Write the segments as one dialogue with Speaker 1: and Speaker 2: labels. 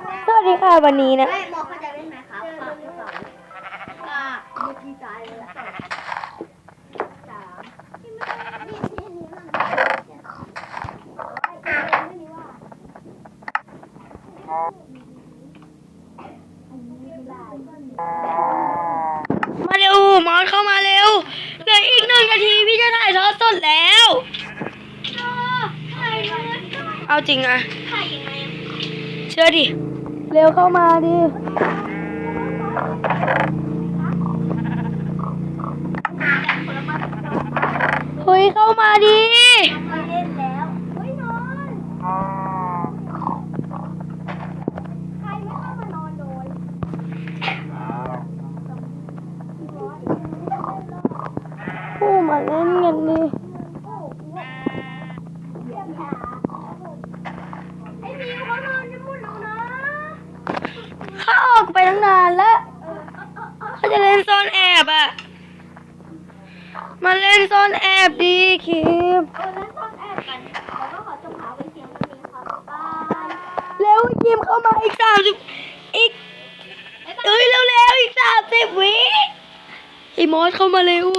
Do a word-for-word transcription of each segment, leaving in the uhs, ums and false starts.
Speaker 1: สวัสดีค่ะวันนี้นะ
Speaker 2: ไม่มอเขาจะเล่นไหมครับฝากสองอ่าดูดีใจเลยละสองสามที่ไม่นี่ที่นี้มันไม่มีว่า
Speaker 1: มาเร็วมอนเข้ามาเร็วเหลืออีกหนึ่งนาทีพี่จะถ่ายทอดสดแล้วเอาจริงอะเชื่อดิเร็วเข้ามาดิเฮ้ยเข้ามาดิ
Speaker 2: มาเล่นแล้วเฮ้ยนอนใครไม่เข้ามานอนโดย
Speaker 1: ผู้มาเล่นกันดิ
Speaker 2: ไอ้มิวเขานอนจะพูดแล้วนะ
Speaker 1: เขาออกไปตั้งนานแล้วเขาจะเล่นซ่อนแอบอะมาเล่นซ่อนแอบดีคิม
Speaker 2: เออแล้วซ่อนแอบกันแล้วก็ขอจงหาไว้เสียงกันนี้ครับบ้าน
Speaker 1: เร็วคิมเข้ามาอีกสามสิบอีกเอ้ยเร็วเร็วอีกสามสิบวิไอ้มอสเข้ามาเร็ว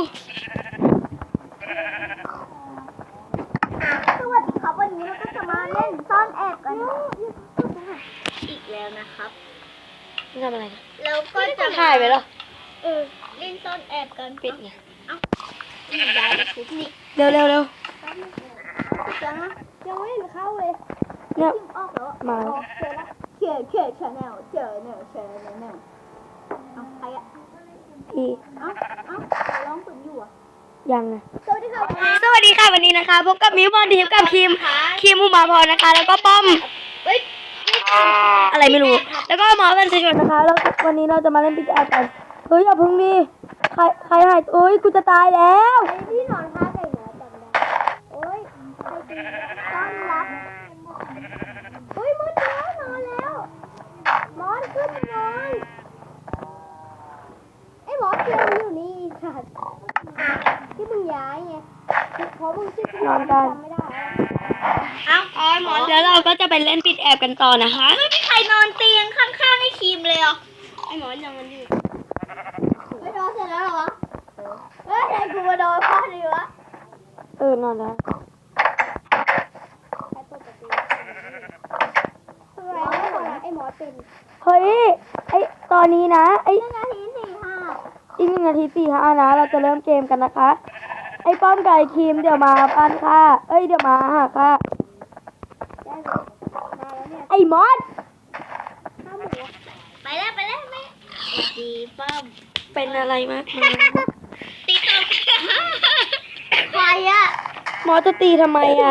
Speaker 2: สวัสดีครับวันนี้เราก็จะมาเล่นซ่อนแอบกันอีกแล้วนะครับ
Speaker 1: ทำอะไรนะ
Speaker 2: เราก็จะ
Speaker 1: ถ่ายไปหรอ
Speaker 2: เออเล่นซ่อนแอบกัน
Speaker 1: ปิดไง
Speaker 2: เอ้าย้ายไปทุบนี่
Speaker 1: เร็วเร็วเร็ว
Speaker 2: จังนะยังไม่เห็นเข้าเลย
Speaker 1: เนี่ย
Speaker 2: พิมพ์ออกแล้ว
Speaker 1: มา
Speaker 2: เจอแล้วเขียนเขียนชาแนลเจอเนี่ยชาแนลเนี่ยเอาใครอะ
Speaker 1: พี่
Speaker 2: เอ้าเอ้าร้องฝึกอยู่อ่ะ
Speaker 1: ยังไง
Speaker 2: สวัสดีค่ะ
Speaker 1: สวัสดีค่ะวันนี้นะคะพบกับมิวบอลทีมกับคิมคิมอุมาพรนะคะ แล้วก็ป้อม
Speaker 2: เฮ้ย
Speaker 1: อะไรไม่รู้ แล้วก็หมอเป็นสิชนนะคะแล้ววันนี้เราจะมาเล่นปิกแอดกันเฮ้ยอย่าพึ่งดิใครใครหายเอ้ยกูจะตายแล้ว
Speaker 2: ไอ้ที่นอนท่าไก่เหนือจำได้โอ้ยใครเป็นต้อนรับเฮ้ยมดแล้วนอนแล้วมอสขึ้นนอนไอ้หมอเกมอยู่นี่ค่ะที่มึงย้ายไงเพราะมึงชื่อพี่จำไม่ได้เอ้าอ๋อหมอ
Speaker 1: แล้วเราก็จะไปเล่นปิดแอบกันต่อนะคะ
Speaker 2: ไม่มีใครนอนเตียงข้างๆให้ครีมเลยเหรอไอ้หมอยังมันอยู่ไม่นอนเสร็จแล้วเหรอเฮ้ยไอ้กูมาโดนพ่อดีวะ
Speaker 1: เออนอนแล้ว
Speaker 2: ไอ้หมอเป็น
Speaker 1: เฮ้ยไอตอนนี้นะไอ
Speaker 2: หนึ่งนาทีสี่ห้า
Speaker 1: อีกหนึ่งนาทีสี่ห้านะเราจะเริ่มเกมกันนะคะ ไอป้อมไก่คิมเดี๋ยวมาบ้านค่ะเอ้ยเดี๋ยวมาหาค่ะ
Speaker 2: ได้เลยมาแล้วเนี่ย
Speaker 1: ไอมอส
Speaker 2: ข้าวหมูไปแล้วไปแล้วไม่ดีป้อม
Speaker 1: เป็นอะไรมาก
Speaker 2: ตีตบใครอะ
Speaker 1: มอสจะตีทำไมอ่ะ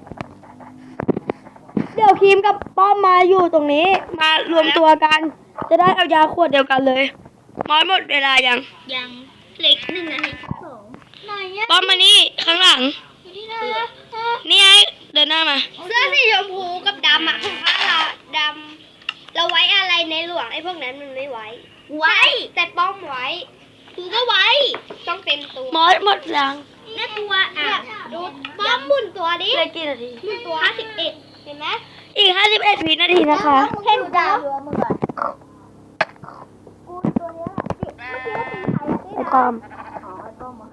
Speaker 1: เดี๋ยวคิมกับป้อมมาอยู่ตรงนี้ มารวมตัวกัน จะได้เอายาขวดเดียวกันเลยมอสหมดเวลายัง
Speaker 2: ยังเล็กหนึ่งนาทีสองไหนอะ
Speaker 1: ป้อมมานี่ข้างหลัง
Speaker 2: อยู่ที่ไหนอะ
Speaker 1: นี่ไงเดินหน้ามา
Speaker 2: เสื้อสีชมพูกับดำอะของข้าเราดำเราไว้อะไรในหลวงไอ้พวกนั้นมันไม่ไว้ ไว้ แต่ป้อมไว้ คือก็ไว้ ต้องเต็มตัว
Speaker 1: มอสหมดยัง
Speaker 2: เนี่ยตัวอ่ะดูป้อมหมุนตัวดิ
Speaker 1: เหลือกี่นาที
Speaker 2: หมุนตัวห้าสิบเอ็ดเห็นไหม
Speaker 1: อีกห้าสิบเอ็ดวินาทีนะคะ
Speaker 2: เห็นดาวอยู่มึงก่อนกูตัวเนี้ยเมื่อกี้ตีใคร
Speaker 1: ไอป้อม
Speaker 2: อ๋อไอ้ป้อมอ่ะ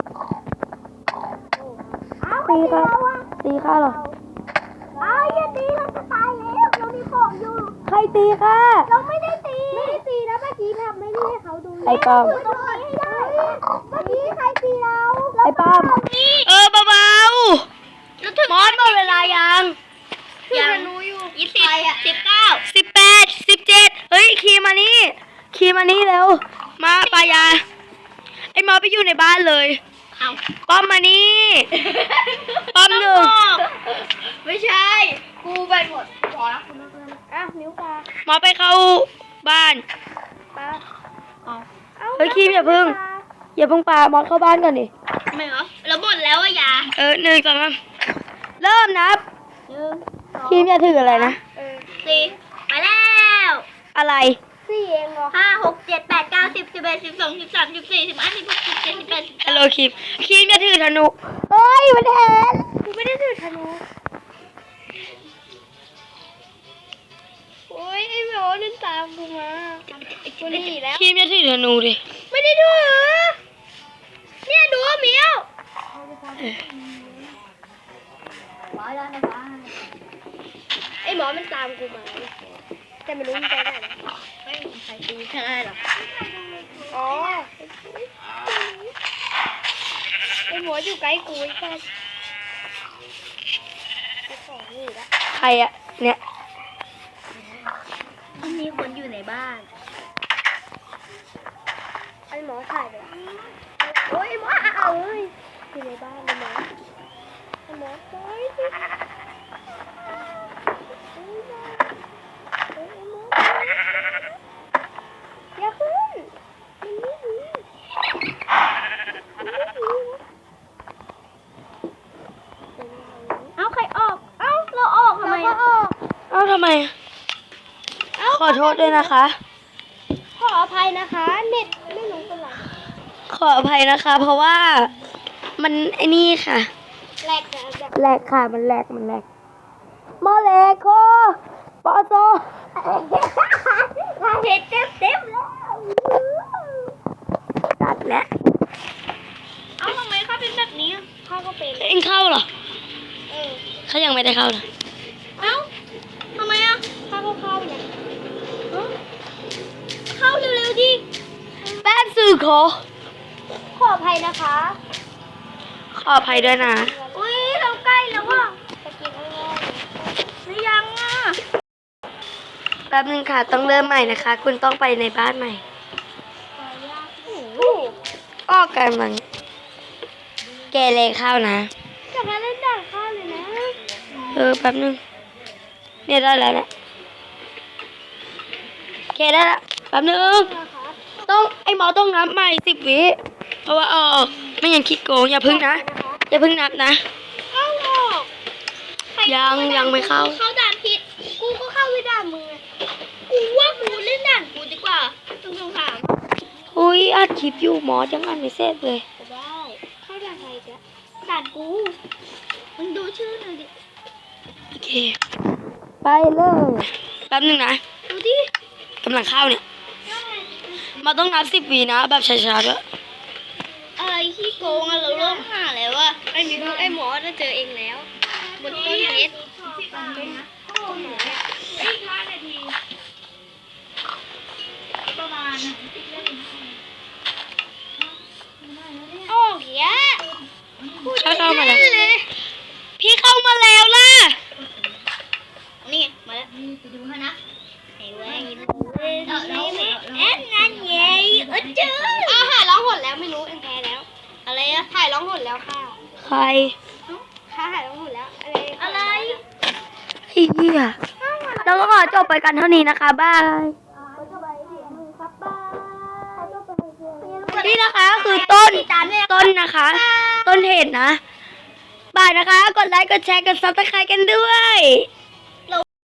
Speaker 1: ตีค่ะตีค่ะเหรอ
Speaker 2: อ้าวอย่าตีเราจะตายแล้วเรามีของอยู่
Speaker 1: ใครตีค่ะ
Speaker 2: เราไม่ได้ตี ไม่ได้ตีนะเมื่อกี้ทำไม่ได้ให้เขาดู
Speaker 1: ไอ้ป้อม
Speaker 2: เมื่อกี้ให้ได้เมื่อกี้ใครตีเรา
Speaker 1: ไอ้ป้อมเออเบาๆมอสหมดเวลายัง
Speaker 2: ยังยี่สิบสิบเก้า
Speaker 1: สิบแปดสิบเจ็ดเฮ้ยคีมานี่คีมานี่เร็วมาปายาไอ้มอสไปอยู่ในบ้านเลย
Speaker 2: เอา
Speaker 1: ป้อมมานี่ป้อมหนึ่ง
Speaker 2: ไม่ใช่ กูไปหมดพอแล้วคุณนักเรียนอ่ะนิ้วปลาม
Speaker 1: อสไปเข้าบ้าน
Speaker 2: ปลาเอา
Speaker 1: เฮ้ยคีมอย่าพึ่งอย่าพึ่งปามอสเข้าบ้านก่อนดิ
Speaker 2: ไม่เหรอเราหมดแล้วอะยา
Speaker 1: เออหนึ่งสองสามเริ่มนับ
Speaker 2: หนึ่งสอง
Speaker 1: คีมอย่าถืออะไรนะ
Speaker 2: เออสี่ไปแล้ว
Speaker 1: อะไร
Speaker 2: สี่เองเหรอห้าหกเจ็ดแปดเก้าสิบสิบเอ็ดสิบสองสิบสามสิบสี่สิบห้าสิบหกสิบเจ็ดสิบแปดสิบ
Speaker 1: ฮัลโหลคีมคีมอย่าถือธนูเฮ้ยมันเห็น
Speaker 2: กูไม่ได้ถือธนูโอ้ยไอ้หมอนนั่นตามกูมากูหนีแล้ว
Speaker 1: ครีมจะถือธนูดิ
Speaker 2: ไม่ได้ดูเหรอเนี่ยดูเหมียว
Speaker 1: เออ
Speaker 2: ไอ้หมอมันตามกูมาแต่ไม่รู้มันไปไหนแล้วไม่มีใครดูใช่หรออ๋อไอ้หมออยู่ใกล้กูไอ้สัสไอ้ของนี่ละ
Speaker 1: ใครอะเนี่ย
Speaker 2: มีคนอยู่ในบ้าน ไอ้หมอถ่ายไปแล้วโอ้ยไอ้หมอเอาเลยอยู่ในบ้านไอ้หมอไอ้หมอไปสิอย่าขึ้นมันไม่ดีมันไม่ดีเอาใครออก เอาเราออกทำไมเราก็ออก
Speaker 1: เอ้าทำไม ขอโทษด้วยนะคะ
Speaker 2: ขออภัยนะคะ เน็ตไม่รู้เป็นไร
Speaker 1: ขออภัยนะคะ เพราะว่ามันไอ้นี่ค่ะ
Speaker 2: แหลกนะแบบ
Speaker 1: แหลกค่ะ มันแหลก มันแหลกโมเลโคปอโซ
Speaker 2: เน็ตเต็มเต็มแล้ว
Speaker 1: ตัดแล้ว
Speaker 2: เอาทำไมเขาเป็นแบบนี้เขาก็เป็น
Speaker 1: เอ็งเข้าเหรอ
Speaker 2: เออ
Speaker 1: เขายังไม่ได้เข้าเลย
Speaker 2: เอ้าทำไมอ่ะเขาก็เข้าเนี่ยฮะเข้าเร็วๆดิ
Speaker 1: แป๊บสื่อขอ
Speaker 2: ขออภัยนะคะ
Speaker 1: ขออภัยด้วยนะ
Speaker 2: อุ้ยเราใกล้แล้วว่ะจะกินอะไรหรือยังอ่ะ
Speaker 1: แป๊บนึงค่ะ ต้องเริ่มใหม่นะคะ คุณต้องไปในบ้านใหม่
Speaker 2: โอ้
Speaker 1: ออกกันมังแกเลยเข้านะ
Speaker 2: จะมาเล่นด่านข้าวเลยนะ
Speaker 1: เออแป๊บนึง เนี่ยได้แล้วแหละโอเคได้ละแป๊บนึง ต้องไอหมอต้องนับใหม่สิบวิ เพราะว่าเออไม่งั้นคิดโกงอย่าพึ่งนะ อย่าพึ่งนับนะ
Speaker 2: เข้าออกใคร
Speaker 1: ยังยังไม่เข้า
Speaker 2: เข้าด่านผิด กูก็เข้าไม่ด่านมึงอะกูว่ากูเล่นด่านกูดีกว่าต้องสงสาร
Speaker 1: อุ้ยอัดคลิปอยู่หมอจังอันไม่เสร็จเลย
Speaker 2: ก็ได้ เข้าด่านใครจ๊ะด่านกูมึงดูชื่อหน่อยดิ
Speaker 1: โอเค ไปเลยแป๊บนึงนะ
Speaker 2: ดูดิ
Speaker 1: กำลังเข้าเนี่ยหมาต้องนับสิบวินะ แบบช้าๆด้วย
Speaker 2: อะไรขี้โกงอะเราเริ่มหาแล้วอะไอ้มิวไอ้หมอจะเจอเองแล้ว บนต้นเพชรต้นไม้อะโอ้เหี้ย
Speaker 1: เข้าเข้ามาแล้ว
Speaker 2: เลย
Speaker 1: พี่เข้ามาแล้วล่ะ
Speaker 2: นี่ไงมาแล้วไปดูให้นะไอ้เว้ยเอ้ยเอ็นนั่นไงเออเจออ้าวถ่ายร้องหดแล้วไม่รู้เอ็นแพ้แล้ว อะไรอะถ่ายร้องหดแล้วค่ะ
Speaker 1: ใคร
Speaker 2: ค่ะถ่ายร้องหดแล้ว อะไร อะไร
Speaker 1: ไอ้เหี้ยเราก็ขอจบไปกันเท่านี้นะคะบายนี่นะคะคือต้น ต้นนะคะ ต้นเหตุนะบายนะคะ กดไลค์ กดแชร์ กดซับสไครต์กันด้วย